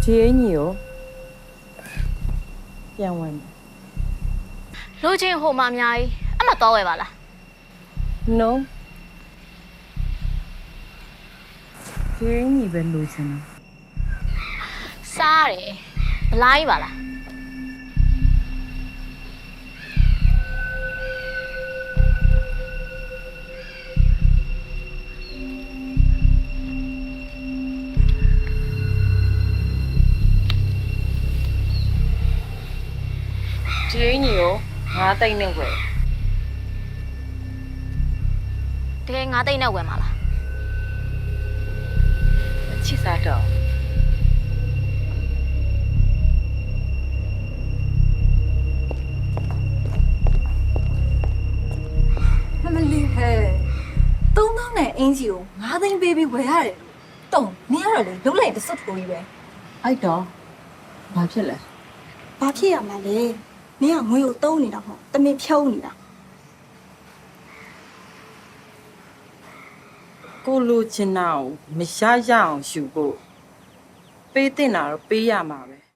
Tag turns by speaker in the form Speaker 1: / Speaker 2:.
Speaker 1: ဒီအင်ကြီးကိုပြန်ဝင်မယ်
Speaker 2: လူချင်းဟိုမှာအများကြီးအမှတော့ဝယ်ပါလား
Speaker 1: No ဒီအင်ကြီးပဲလိုချင်တယ်
Speaker 2: စားရတယ်ဘလိုင်းပါလား
Speaker 1: ဒီအင်ကြီးကို9သိန်းနဲ့ဝယ်
Speaker 2: တကယ်9သိန်းနဲ့ဝယ်မှာလား
Speaker 1: အချစ်စားတော့
Speaker 3: မမလီဟဲ့3000နဲ့အင်ဂျီကို9သိန်းပေးပြီးဝယ်ရတယ်တုံနင်ရတော့လေလုံးလိုက်တစွတ်ထိုးကြီးပဲ
Speaker 1: အဲ့တော့ဘာဖြစ်လဲ
Speaker 3: ဘာဖြစ်ရမှာလဲနင်ကငွေကိုတုံးနေတာမဟုတ်တမင်ဖြုံးနေတာ
Speaker 1: ကိုလိုချင်တာကိုမရရအောင်ယူဖို့ပေးတင်တာတော့ပေးရမှာပဲ